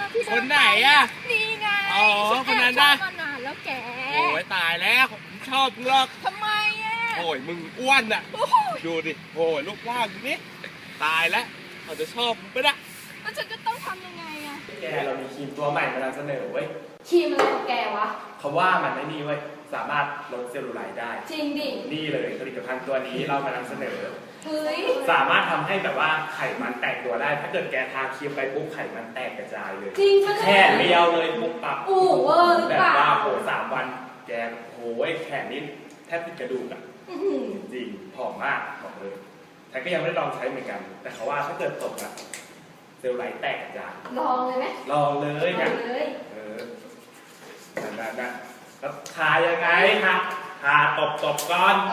คนไหนอ่ะนี่ไงอ๋อคนนั้นนะมานานแล้วแกโอ้ยตายแล้วชอบมึงหรอกทำไมอ่ะโอ้ยมึงอ้วนอ่ะดูดิโอ้ยลูกร่างนี่ตายแล้วเขาจะชอบมึงปะเนี่ยแล้วฉันจะต้องทำยังไงอ่ะแกเรามีครีมตัวใหม่มานำเสนอเว้ยครีมอะไรของแกวะเขาว่ามันไม่นี่เว้ยสามารถลดเซลลูไลท์ได้จริงดินี่เลยผลิตภัณฑ์ตัวนี้เรามานำเสนอเฮ้ยสามารถทำให้แบบว่าไขมันแตกตัวได้ถ้าเกิดแกทาครีมไปปุ๊บไขมันแตกกระจายเลยจริงแค่เลี้ยวเลยปุ๊บปั๊บเวอร์แบบว่าโห3 วันแกโหยแขนนี่แทบติดกระดูกอ่ะจริงผอมมากบอกเลยแต่ก็ยังไม่ได้ลองใช้เหมือนกันแต่เขาว่าถ้าเกิดตกอ่ะเซลล์ไลท์แตกกระจายลองเลยไหมลองเลยลองเลยนั่นแล้วทายังไงครับทาตบก่อน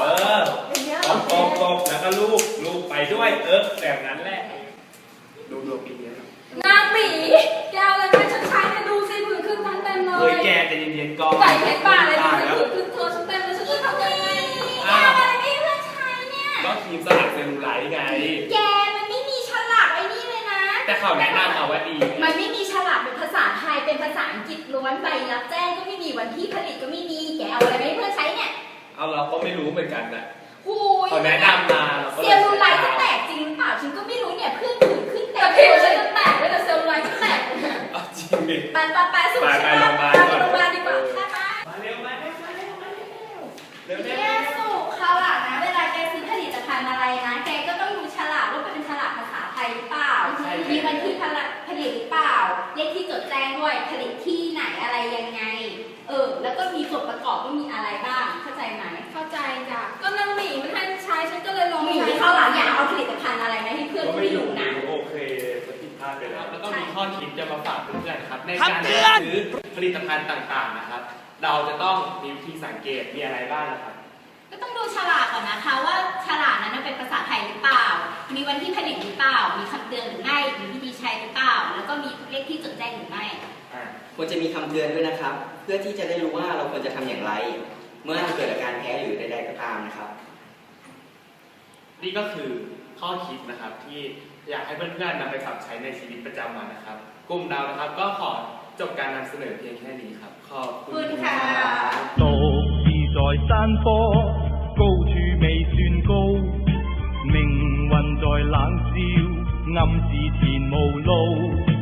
ตบแล้วก็ลูบไปด้วยแบบนั้นแหละดูปีนี้นางหมีแกเอาอะไรมาฉันใช้มาดูสิผื่นขึ้นทั้งเต็มเลยเฮ้ยแกจะเย็นๆก่อนใส่เพชรบ้าอะไรดูสิผื่นขึ้นเธอฉันเต็มเลยฉันจะทำยังไงแกอะไรไม่เพื่อนใช้เนี่ยก็ครีมสลัดเซลลูไลท์ไงแกมันไม่มีฉลากไอ้นี่เลยนะแต่เขาแนะนำเอาว่าดีมันไม่มีฉลากเป็นภาษาไทยเป็นภาษาอังกฤษล้วนใบรับแจ้งก็ไม่มีวันที่ผลิตก็ไม่มีแกเอาอะไรไม่เพื่อนใช้เนี่ยเอาเราก็ไม่รู้เหมือนกันนะเขาแนะนำมาเซลลูไลท์จะแตกจริงหรือเปล่าฉันก็ไม่รู้เนี่ยเพื่อนผื่นขึ้นแต่ผิวฉันจะแตกเลยแต่เซลลูไลท์ก็แตกจริงดิไปสุดไปโรงพยาบาลดีกว่ามาเร็วแกสุคราวหลังนะเวลาแกซื้อผลิตภัณฑ์อะไรนะแกก็ต้องดูฉลากว่าเป็นฉลากภาษาไทยหรือเปล่ามีวันที่ผลิตหรือเปล่าเลขที่จดแจ้งด้วยผลิตที่ไหนอะไรยังไงแล้วก็มีส่วนประกอบว่ามีอะไรบ้างเข้าใจไหมเข้าใจจ้ะก็นางหมีมันให้ใช้ฉันก็เลยลองใช้คราวหลังอย่าเอาผลิตภัณฑ์อะไรนะให้เพื่อนไม่รู้นะโอเคจะผิดพลาดไปแล้วแล้วก็มีข้อคิดจะมาฝากเพื่อนๆครับในการเลือกซื้อผลิตภัณฑ์ต่างๆนะครับเราจะต้องมีวิธีสังเกตมีอะไรบ้างนะครับก็ต้องดูฉลากก่อนนะคะว่าฉลากนั้นเป็นภาษาไทยหรือเปล่ามีวันที่ผลิตหรือเปล่ามีคำเตือนหรือไม่มีวิธีใช้หรือเปล่าแล้วก็มีเลขที่จดแจ้งหรือไม่ควรจะมีคำเตือนด้วยนะครับเพื่อที่จะได้รู้ว่าเราควรจะทำอย่างไรเมื่อเกิดอาการแพ้หรือใดๆก็ตามนะครับนี่ก็คือข้อคิดนะครับที่อยากให้เพื่อนๆนำไปปรับใช้ในชีวิตประจำวันนะครับกลุ่มเรานะครับก็ขอจบการนำเสนอเพียงแค่นี้ครับขอบคุณค่ะ獨自在山坡，高處未算高，命運在冷笑，暗示前無路。